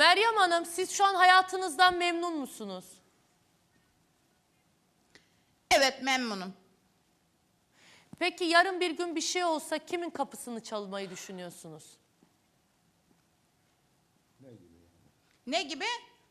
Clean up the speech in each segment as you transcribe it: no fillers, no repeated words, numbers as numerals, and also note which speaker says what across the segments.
Speaker 1: Meryem Hanım, siz şu an hayatınızdan memnun musunuz?
Speaker 2: Evet, memnunum.
Speaker 1: Peki yarın bir gün bir şey olsa kimin kapısını çalmayı düşünüyorsunuz?
Speaker 2: Ne gibi?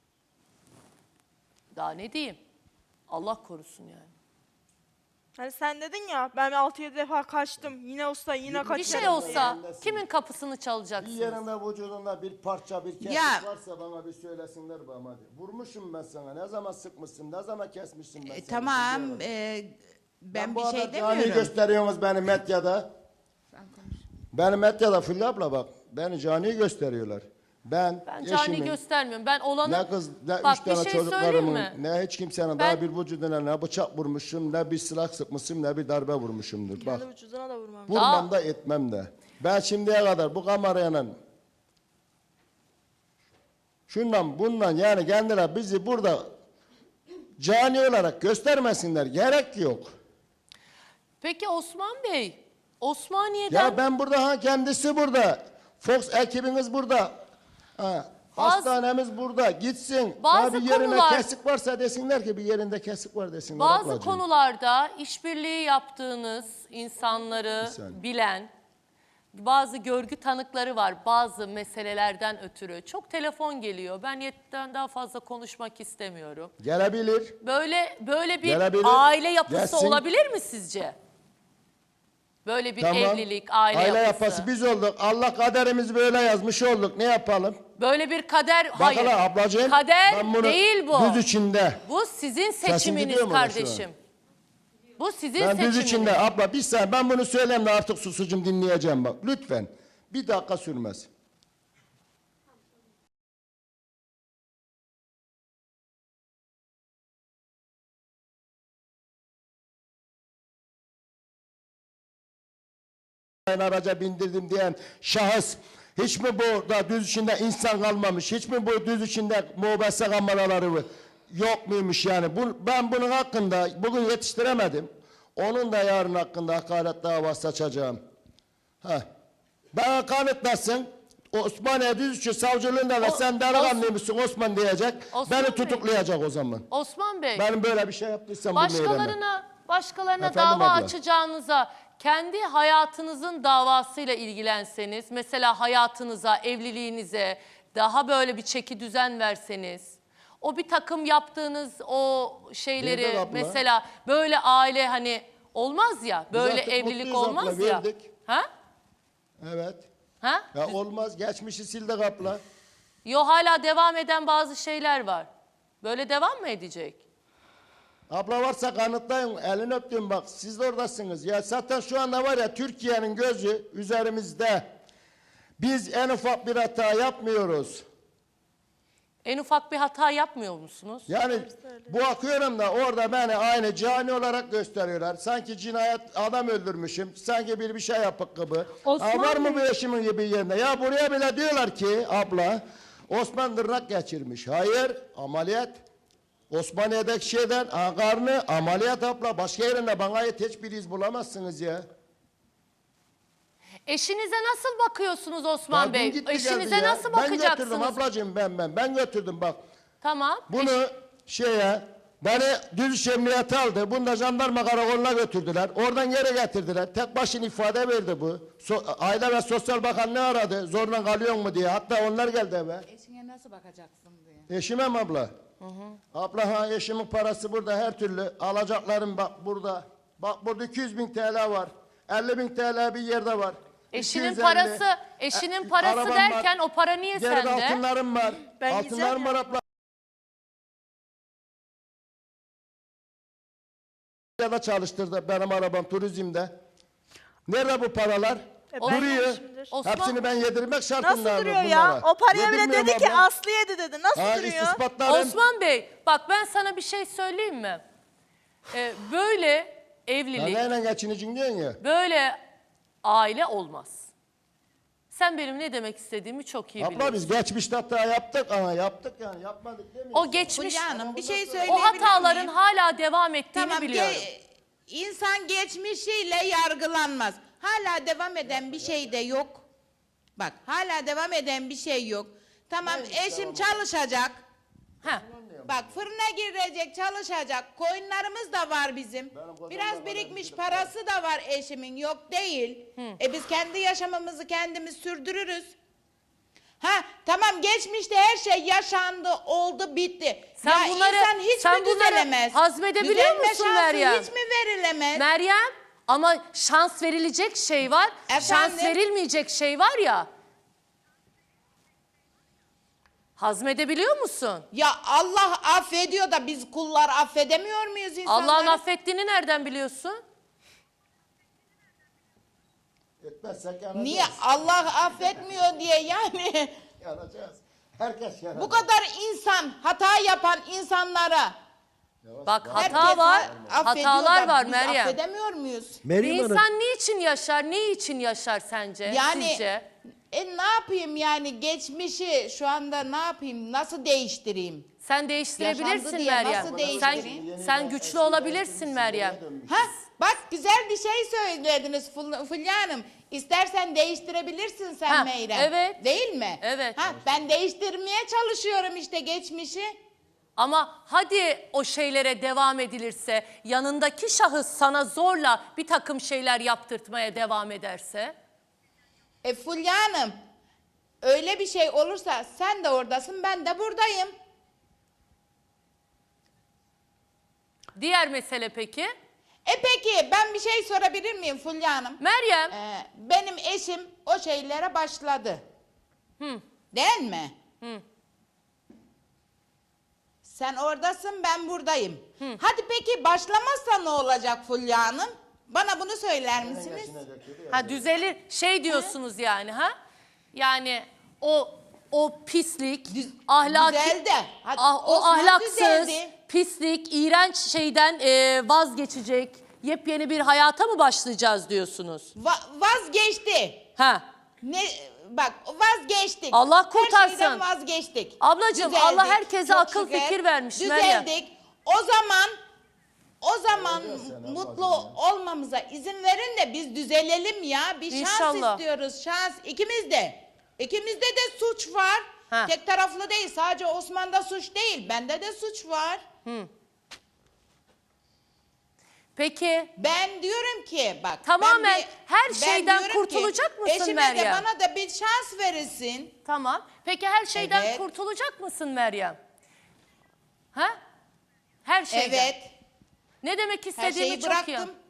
Speaker 1: Daha ne diyeyim? Allah korusun yani.
Speaker 3: Hani sen dedin ya ben 6-7 defa kaçtım. Yine olsa yine kaçarım.
Speaker 1: Bir şey olsa kimin kapısını
Speaker 4: Bir
Speaker 1: çalacaksınız?
Speaker 4: yerinde vücudunda bir parça bir kesik
Speaker 2: Ya.
Speaker 4: varsa bana bir söylesinler bana hadi. Vurmuşum ben sana. Ne zaman sıkmışsın? Ne zaman kesmişsin ben seni?
Speaker 2: Tamam,
Speaker 4: Biliyorum.
Speaker 2: ben bir
Speaker 4: bu
Speaker 2: şey
Speaker 4: kadar cani
Speaker 2: demiyorum.
Speaker 4: gösteriyorsunuz beni medyada. Beni medyada Fulya abla bak. Beni cani gösteriyorlar. Ben
Speaker 1: cani
Speaker 4: eşimin,
Speaker 1: göstermiyorum. Ben olanı...
Speaker 4: ne kız ne
Speaker 1: Bak,
Speaker 4: üç
Speaker 1: bir
Speaker 4: tane
Speaker 1: şey
Speaker 4: çocuklarımın
Speaker 1: söyleyeyim mi?
Speaker 4: ne hiç kimsenin
Speaker 1: Ben-
Speaker 4: daha bir vücuduna ne bıçak vurmuşum ne bir silah sıkmışım ne bir darbe vurmuşumdur. Bak
Speaker 3: Kendi vücuduna da vurmam.
Speaker 4: vurmam da etmem de. Ben şimdiye kadar bu kamerayla şundan bundan yani kendiler bizi burada cani olarak göstermesinler. Gerek yok.
Speaker 1: Peki Osman Bey, Osmaniye'den...
Speaker 4: Ya ben burada ha kendisi burada. Fox ekibiniz burada. Ha,
Speaker 1: Bazı-
Speaker 4: hastanemiz burada. Gitsin.
Speaker 1: Bazı
Speaker 4: Ha, bir yerinde
Speaker 1: konular-
Speaker 4: kesik varsa desinler ki bir yerinde kesik var desinler.
Speaker 1: Bazı
Speaker 4: ablacığım.
Speaker 1: konularda işbirliği yaptığınız insanları
Speaker 4: Bir saniye.
Speaker 1: bilen bazı görgü tanıkları var bazı meselelerden ötürü. Çok telefon geliyor. Ben yetten daha fazla konuşmak istemiyorum.
Speaker 4: Gelebilir.
Speaker 1: Böyle bir
Speaker 4: Gelebilir.
Speaker 1: aile yapısı
Speaker 4: Gelsin.
Speaker 1: olabilir mi sizce? Böyle bir
Speaker 4: Tamam.
Speaker 1: evlilik, aile yapısı.
Speaker 4: biz olduk. Allah kaderimizi böyle yazmış olduk. Ne yapalım?
Speaker 1: Böyle bir kader,
Speaker 4: Bak
Speaker 1: hayır.
Speaker 4: hele ablacığım.
Speaker 1: Kader
Speaker 4: ben bunu
Speaker 1: değil bu.
Speaker 4: Düz içinde.
Speaker 1: Bu sizin
Speaker 4: Sesin
Speaker 1: seçiminiz
Speaker 4: gidiyor mu orada şu an?
Speaker 1: kardeşim. Bu sizin
Speaker 4: Ben
Speaker 1: seçiminiz.
Speaker 4: düz içinde abla bir saniye ben bunu söyleyeyim de artık susucum dinleyeceğim bak. Lütfen. Bir dakika sürmez. Ben araca bindirdim diyen şahıs hiç mi burada düz içinde insan kalmamış? Hiç mi bu düz içinde mobese kameraları yok muymuş yani? Ben bunun hakkında bugün yetiştiremedim. Onun da yarın hakkında hakaret davası açacağım. Ben kanıtlasın. Osmaniye Düzüçü savcılığında da sen delikanlıymışsın Osman diyecek.
Speaker 1: Osman
Speaker 4: Beni
Speaker 1: Bey.
Speaker 4: tutuklayacak o zaman.
Speaker 1: Osman Bey,
Speaker 4: Benim böyle bir şey yaptıysam bu meydana.
Speaker 1: başkalarına
Speaker 4: Efendim
Speaker 1: dava
Speaker 4: abla?
Speaker 1: açacağınıza kendi hayatınızın davasıyla ilgilenseniz, mesela hayatınıza, evliliğinize daha böyle bir çeki düzen verseniz, o bir takım yaptığınız o şeyleri
Speaker 4: Verdik abla.
Speaker 1: mesela böyle aile hani olmaz ya, böyle
Speaker 4: artık
Speaker 1: evlilik
Speaker 4: mutluyuz
Speaker 1: olmaz
Speaker 4: abla,
Speaker 1: ya.
Speaker 4: verdik.
Speaker 1: Ha?
Speaker 4: Evet.
Speaker 1: Ha?
Speaker 4: Ya olmaz. Geçmişi sil de kapla.
Speaker 1: Yo, hala devam eden bazı şeyler var. Böyle devam mı edecek?
Speaker 4: Abla varsa kanıtlayın. Elini öptüm bak. Siz de oradasınız. Ya zaten şu anda var ya Türkiye'nin gözü üzerimizde. Biz en ufak bir hata yapmıyoruz.
Speaker 1: En ufak bir hata yapmıyor musunuz?
Speaker 4: Yani bu akıyorum da orada beni aynı cani olarak gösteriyorlar. Sanki cinayet adam öldürmüşüm. Sanki bir şey yapık gibi.
Speaker 3: Osman
Speaker 4: Var mı
Speaker 3: Bey.
Speaker 4: bu eşimin gibi yerinde? Ya buraya bile diyorlar ki abla Osman tırnak geçirmiş. Hayır ameliyat. Osmaniye'deki şeyden karnı ameliyat abla. Başka yerinde bana ait hiçbir iz bulamazsınız ya.
Speaker 1: Eşinize nasıl bakıyorsunuz Osman
Speaker 4: Ya
Speaker 1: Bey?
Speaker 4: dün gitti
Speaker 1: Eşinize
Speaker 4: geldi ya.
Speaker 1: nasıl
Speaker 4: Ben götürdüm
Speaker 1: bakacaksınız?
Speaker 4: ablacığım ben götürdüm bak.
Speaker 1: Tamam.
Speaker 4: Bunu beni düz emniyete aldı. Bunu da jandarma karakoluna götürdüler. Oradan geri getirdiler. Tek başına ifade verdi bu. Aile ve Sosyal Bakanlığı aradı. Zorla kalıyor mu diye. Hatta onlar geldi eve.
Speaker 2: Eşine nasıl bakacaksın diye.
Speaker 4: Eşime mi abla? Abla eşimin parası burada her türlü. Alacaklarım bak burada. Bak burada 200.000 TL var. 50.000 TL bir yerde var.
Speaker 1: Eşinin
Speaker 4: 250.
Speaker 1: parası
Speaker 4: Arabam
Speaker 1: derken
Speaker 4: var.
Speaker 1: o para niye
Speaker 4: Geride
Speaker 1: sende?
Speaker 4: altınlarım var.
Speaker 3: Ben
Speaker 4: Altınlarım
Speaker 3: gideceğim
Speaker 4: var abla. Ya da çalıştırdı benim arabam turizmde. Nerede bu paralar?
Speaker 3: Ben
Speaker 4: Duruyor.
Speaker 3: yemişimdir.
Speaker 1: Osman-
Speaker 4: Hepsini ben yedirmek şartında.
Speaker 3: Nasıl duruyor ya? O paraya bile dedi ki Aslı yedi dedi. Nasıl duruyor?
Speaker 4: ispatlarım.
Speaker 1: Osman Bey, bak ben sana bir şey söyleyeyim mi? Böyle
Speaker 4: Ya
Speaker 1: evlilik,
Speaker 4: neyle geçineceksin diyorsun ya.
Speaker 1: böyle aile olmaz. Sen benim ne demek istediğimi çok iyi
Speaker 4: Abla
Speaker 1: biliyorsun.
Speaker 4: biz geçmişte hata yaptık ama yaptık yani yapmadık demiyorsun.
Speaker 1: O geçmiş,
Speaker 2: Fulya Hanım bir şey
Speaker 1: o
Speaker 2: söyleyebilir miyim?
Speaker 1: hataların hala devam ettiğini
Speaker 2: Tamam,
Speaker 1: biliyorum.
Speaker 2: insan geçmişiyle yargılanmaz. Hala devam eden bir şey de yok. Bak hala devam eden bir şey yok. Tamam eşim çalışacak.
Speaker 1: Ha.
Speaker 2: Bak fırına girecek, çalışacak. Koyunlarımız da var bizim. Biraz birikmiş parası da var eşimin. Yok değil. Biz kendi yaşamımızı kendimiz sürdürürüz. Ha tamam geçmişte her şey yaşandı, oldu, bitti.
Speaker 1: Sen
Speaker 2: ya
Speaker 1: bunları-
Speaker 2: insan hiç
Speaker 1: sen
Speaker 2: mi
Speaker 1: bunları
Speaker 2: düzelemez?
Speaker 1: hazmedebiliyor
Speaker 2: Düzelme
Speaker 1: musun
Speaker 2: şansı
Speaker 1: Meryem?
Speaker 2: hiç mi verilemez?
Speaker 1: Meryem, ama şans verilecek şey var, şans
Speaker 2: Efendim?
Speaker 1: verilmeyecek şey var ya. Hazmedebiliyor musun?
Speaker 2: Ya Allah affediyor da biz kullar affedemiyor muyuz insanları?
Speaker 1: Allah'ın affettiğini nereden biliyorsun?
Speaker 4: Etmezsek yanacağız.
Speaker 2: Niye Allah affetmiyor diye yani?
Speaker 4: Yanacağız. Herkes yanacak.
Speaker 2: Bu kadar insan, hata yapan insanlara
Speaker 1: Bak hata
Speaker 2: herkes
Speaker 1: var,
Speaker 2: affediyor
Speaker 1: hatalar
Speaker 2: da
Speaker 1: var
Speaker 2: biz
Speaker 1: Meryem.
Speaker 2: affedemiyor muyuz?
Speaker 1: Bir
Speaker 5: Meryem Hanım,
Speaker 1: insan niçin yaşar, ne için yaşar sence,
Speaker 2: Yani
Speaker 1: sizce?
Speaker 2: ne yapayım yani geçmişi şu anda ne yapayım, nasıl değiştireyim?
Speaker 1: Sen
Speaker 2: Yaşandı
Speaker 1: değiştirebilirsin
Speaker 2: diye
Speaker 1: Meryem.
Speaker 2: nasıl
Speaker 1: Sen,
Speaker 2: değiştireyim?
Speaker 1: sen güçlü olabilirsin Meryem.
Speaker 2: Ha bak güzel bir şey söylediniz Fulya Hanım. İstersen değiştirebilirsin sen
Speaker 1: Ha,
Speaker 2: Meyrem.
Speaker 1: evet.
Speaker 2: Değil mi?
Speaker 1: Evet.
Speaker 2: Ha, ben değiştirmeye çalışıyorum işte geçmişi.
Speaker 1: Ama hadi o şeylere devam edilirse, yanındaki şahıs sana zorla bir takım şeyler yaptırtmaya devam ederse?
Speaker 2: Fulya Hanım öyle bir şey olursa sen de oradasın ben de buradayım.
Speaker 1: Diğer mesele peki?
Speaker 2: Peki ben bir şey sorabilir miyim Fulya Hanım?
Speaker 1: Meryem,
Speaker 2: Benim eşim o şeylere başladı. Değil mi? Sen oradasın ben buradayım. Hadi peki başlamazsa ne olacak Fulya Hanım? Bana bunu söyler misiniz?
Speaker 1: ha düzelir şey diyorsunuz yani ha? Yani o pislik, ahlaki,
Speaker 2: Düzeldi. Hadi,
Speaker 1: o
Speaker 2: Osman
Speaker 1: ahlaksız,
Speaker 2: düzeldi.
Speaker 1: pislik, iğrenç şeyden vazgeçecek, yepyeni bir hayata mı başlayacağız diyorsunuz?
Speaker 2: Vazgeçti.
Speaker 1: Ha?
Speaker 2: Ne bak vazgeçtik.
Speaker 1: Allah kurtarsın.
Speaker 2: Her şeyden vazgeçtik.
Speaker 1: Ablacığım, Allah herkese
Speaker 2: çok
Speaker 1: akıl
Speaker 2: şükür.
Speaker 1: fikir vermiş Meryem.
Speaker 2: Düzeldik. O zaman mutlu olmamıza izin verin de biz düzelelim ya. Bir şans
Speaker 1: İnşallah.
Speaker 2: istiyoruz. Şans ikimiz de. İkimizde de suç var.
Speaker 1: Ha.
Speaker 2: Tek taraflı değil. Sadece Osman'da suç değil. Bende de suç var.
Speaker 1: Peki
Speaker 2: Ben diyorum ki bak.
Speaker 1: Tamamen her
Speaker 2: ben
Speaker 1: şeyden
Speaker 2: diyorum ki,
Speaker 1: kurtulacak mısın
Speaker 2: eşime
Speaker 1: Meryem?
Speaker 2: de bana da bir şans verilsin.
Speaker 1: tamam. Peki her şeyden
Speaker 2: Evet.
Speaker 1: kurtulacak mısın Meryem? Ha? Her şeyden.
Speaker 2: Evet.
Speaker 1: Ne demek
Speaker 2: Her
Speaker 1: istediğimi
Speaker 2: şeyi
Speaker 1: çok iyi.
Speaker 2: bıraktım.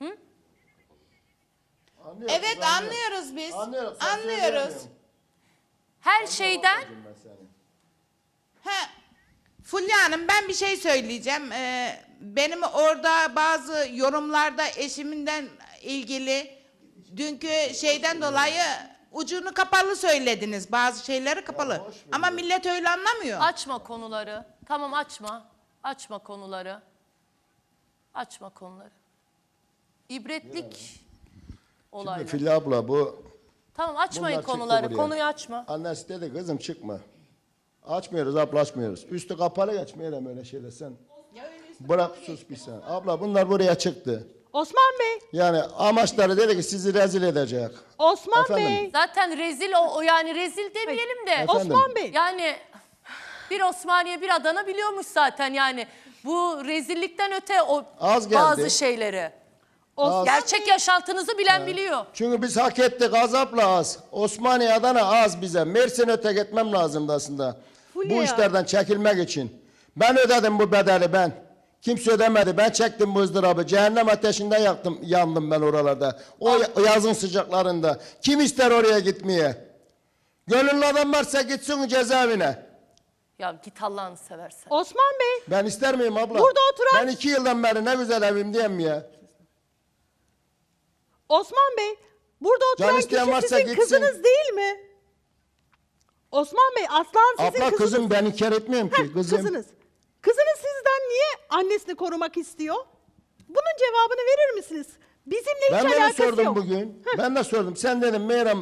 Speaker 4: Anlıyoruz,
Speaker 2: Evet anlıyoruz biz.
Speaker 4: Anlıyoruz. sen
Speaker 2: Anlıyoruz.
Speaker 4: söyleyemiyorsun.
Speaker 1: Her şeyden
Speaker 4: Ben seni.
Speaker 2: Ha, Fulya Hanım ben bir şey söyleyeceğim. Benim orada bazı yorumlarda eşiminden ilgili dünkü şeyden dolayı ucunu kapalı söylediniz. Bazı şeyleri kapalı. Ama millet öyle anlamıyor.
Speaker 1: açma konuları. Tamam açma. Açma konuları. Açma konuları. İbretlik olaylar.
Speaker 4: Fili abla bu
Speaker 1: Tamam açmayın
Speaker 4: bunlar çıktı
Speaker 1: konuları.
Speaker 4: buraya.
Speaker 1: Konuyu açma.
Speaker 4: Annesi dedi kızım çıkma. Açmıyoruz abla açmıyoruz. Üstü kapalı geçmeyelim öyle şeyler sen. Bırak sus bir sen. Abla bunlar buraya çıktı.
Speaker 5: Osman Bey,
Speaker 4: Yani amaçları dedi ki sizi rezil edecek.
Speaker 5: Osman
Speaker 4: Efendim?
Speaker 5: Bey,
Speaker 1: Zaten rezil o yani rezil demeyelim de.
Speaker 4: Efendim?
Speaker 5: Osman Bey.
Speaker 1: Yani bir Osmaniye bir Adana biliyormuş zaten yani. Bu rezillikten öte o
Speaker 4: Az geldi.
Speaker 1: bazı şeyleri. Gerçek yaşantınızı bilen biliyor.
Speaker 4: Çünkü biz hak ettik azapla az. Osmaniye Adana az bize. Mersin öte gitmem lazımdı aslında.
Speaker 5: Fulya.
Speaker 4: Bu işlerden çekilmek için. Ben ödedim bu bedeli ben. Kimse ödemedi. Ben çektim bu ızdırabı. Cehennem ateşinde yandım ben oralarda. O yazın sıcaklarında. Kim ister oraya gitmeye? Gönüllü adam varsa gitsin cezaevine.
Speaker 1: Ya git Allah'ını seversen.
Speaker 5: Osman Bey,
Speaker 4: Ben ister miyim abla?
Speaker 5: Burada oturan-
Speaker 4: Ben 2 yıldan beri ne güzel evim diyeyim ya.
Speaker 5: Osman Bey, burada
Speaker 4: Can
Speaker 5: oturan
Speaker 4: isteyen
Speaker 5: kişi
Speaker 4: varsa
Speaker 5: sizin
Speaker 4: gitsin.
Speaker 5: kızınız değil mi? Osman Bey, Aslan sizin
Speaker 4: Abla
Speaker 5: kızınız.
Speaker 4: kızım ben inkar etmiyorum ki.
Speaker 5: Heh,
Speaker 4: Kızım.
Speaker 5: kızınız. Kızınız sizden niye annesini korumak istiyor? Bunun cevabını verir misiniz? Bizimle
Speaker 4: Ben
Speaker 5: hiç
Speaker 4: de
Speaker 5: alakası
Speaker 4: sordum
Speaker 5: yok.
Speaker 4: bugün. Ben de sordum. Sen dedim Meyrem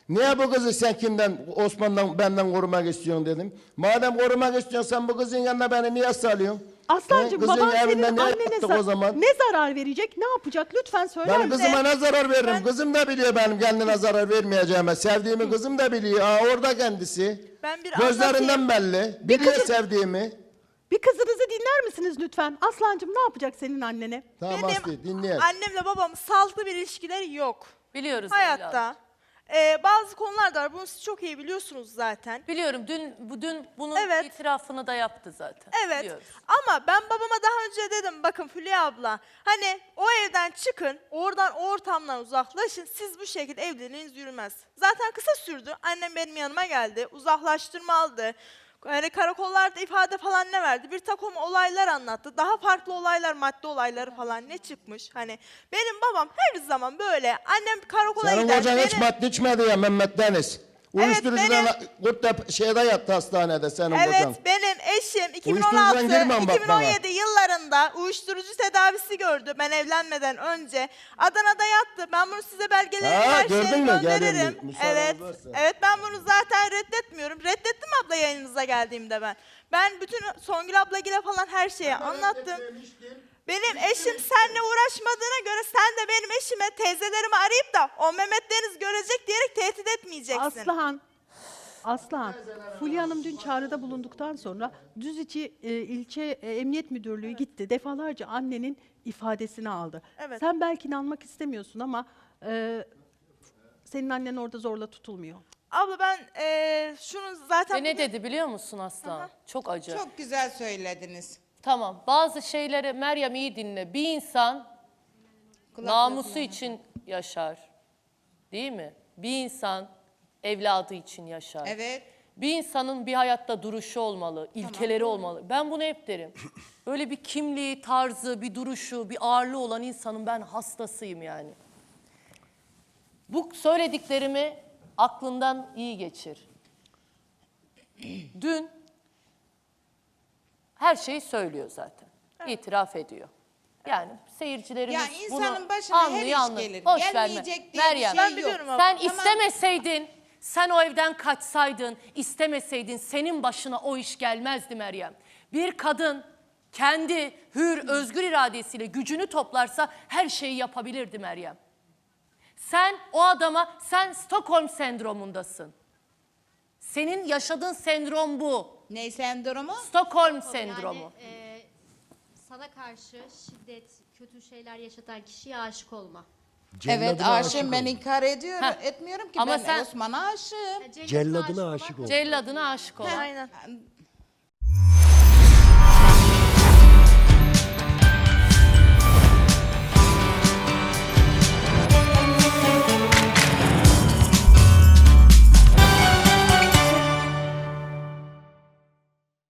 Speaker 4: Niye bu kızı sen kimden, Osman'dan, benden korumak istiyorsun dedim. Madem korumak istiyorsun sen bu kızın yanına beni niye salıyorsun?
Speaker 5: Aslancığım
Speaker 4: Kızın
Speaker 5: baban senin
Speaker 4: evinde ne
Speaker 5: annene
Speaker 4: yaptık o zaman?
Speaker 5: ne zarar verecek? Ne yapacak? Lütfen söyler
Speaker 4: Benim
Speaker 5: misin?
Speaker 4: kızıma ne zarar veririm? Kızım da biliyor benim kendine zarar vermeyeceğimi. Sevdiğimi kızım da biliyor. Aa, orada kendisi.
Speaker 3: Ben bir
Speaker 4: Gözlerinden
Speaker 3: anlatayım.
Speaker 4: belli. Biliyor sevdiğimi.
Speaker 5: Bir kızınızı dinler misiniz lütfen? Aslancığım ne yapacak senin annene?
Speaker 4: Tamam
Speaker 3: Benim
Speaker 4: Aslı dinleyelim.
Speaker 3: annemle babamın sağlıklı bir ilişkileri yok.
Speaker 1: Biliyoruz evladım.
Speaker 3: Hayatta. Bazı konular da var. Bunu siz çok iyi biliyorsunuz zaten.
Speaker 1: Biliyorum dün bunun
Speaker 3: Evet.
Speaker 1: itirafını da yaptı zaten.
Speaker 3: Evet.
Speaker 1: Biliyoruz.
Speaker 3: Ama ben babama daha önce dedim bakın Hülya abla hani o evden çıkın oradan o ortamdan uzaklaşın siz bu şekilde evliliğiniz yürümez. Zaten kısa sürdü. Annem benim yanıma geldi. Uzaklaştırma aldı. Yani karakollarda ifade falan ne verdi? Bir takım olaylar anlattı. Daha farklı olaylar, madde olayları falan ne çıkmış? Hani benim babam her zaman böyle. Annem karakola
Speaker 4: Senin
Speaker 3: gider.
Speaker 4: kocan hiç
Speaker 3: benim-
Speaker 4: madde içmedi ya Mehmet Deniz. Uyuşturucudan şeyde yattı hastanede senin
Speaker 3: Evet
Speaker 4: kocan.
Speaker 3: benim eşim
Speaker 4: Uyuşturucudan girmem bak bana.
Speaker 3: 2016-2017 yıllarında uyuşturucu tedavisi gördü ben evlenmeden önce. Adana'da yattı. Ben bunu size belgelerini
Speaker 4: Ha,
Speaker 3: her
Speaker 4: gördün
Speaker 3: şeyi
Speaker 4: mü?
Speaker 3: gönderirim.
Speaker 4: Gelin bir müsaade
Speaker 3: Evet.
Speaker 4: varsa.
Speaker 3: Evet ben bunu zaten reddetmiyorum. Reddettim abla yayınınıza geldiğimde ben. Ben bütün Songül ablagile falan her şeyi anlattım. Benim eşim seninle uğraşmadığına göre sen de benim eşime teyzelerimi arayıp da o Mehmet Deniz görecek diyerek tehdit etmeyeceksin.
Speaker 5: Aslıhan, Fulya Hanım dün çağrıda bulunduktan sonra Düzici ilçe emniyet müdürlüğü gitti. Defalarca annenin ifadesini aldı.
Speaker 3: Evet.
Speaker 5: Sen belki inanmak istemiyorsun ama senin annen orada zorla tutulmuyor.
Speaker 3: Abla ben şunu zaten...
Speaker 1: Ve ne dedi biliyor musun Aslan? Çok acı.
Speaker 2: Çok güzel söylediniz.
Speaker 1: Tamam. Bazı şeyleri Meryem iyi dinle. Bir insan namusu için yaşar. Değil mi? Bir insan evladı için yaşar.
Speaker 2: Evet.
Speaker 1: Bir insanın bir hayatta duruşu olmalı, ilkeleri olmalı. Ben bunu hep derim. Böyle bir kimliği, tarzı, bir duruşu, bir ağırlığı olan insanın ben hastasıyım yani. Bu söylediklerimi aklından iyi geçir. Dün her şeyi söylüyor zaten. İtiraf ediyor. Yani seyircilerimiz
Speaker 2: Ya
Speaker 1: bunu
Speaker 2: insanın başına her
Speaker 1: anlıyor,
Speaker 2: iş
Speaker 1: anlıyor.
Speaker 2: gelir.
Speaker 1: Boş verme.
Speaker 2: Gelmeyecek diye bir
Speaker 1: Meryem,
Speaker 2: şey
Speaker 3: Ben
Speaker 2: yok.
Speaker 3: biliyorum abla.
Speaker 1: sen
Speaker 2: Tamam.
Speaker 1: istemeseydin, sen o evden kaçsaydın, istemeseydin senin başına o iş gelmezdi Meryem. Bir kadın kendi hür, özgür iradesiyle gücünü toplarsa her şeyi yapabilirdi Meryem. Sen o adama, sen Stockholm sendromundasın. Senin yaşadığın sendrom bu.
Speaker 2: Ne sendromu?
Speaker 1: Stockholm sendromu.
Speaker 6: Yani sana karşı şiddet, kötü şeyler yaşatan kişiye aşık olma.
Speaker 2: Evet aşığım ben inkar ediyorum.
Speaker 1: Heh.
Speaker 2: Etmiyorum ki
Speaker 1: Ama
Speaker 2: ben
Speaker 1: sen-
Speaker 2: Osman'a aşığım.
Speaker 6: Yani
Speaker 7: Celladına aşık ol.
Speaker 1: Celladına aşık olan.
Speaker 3: Aynen.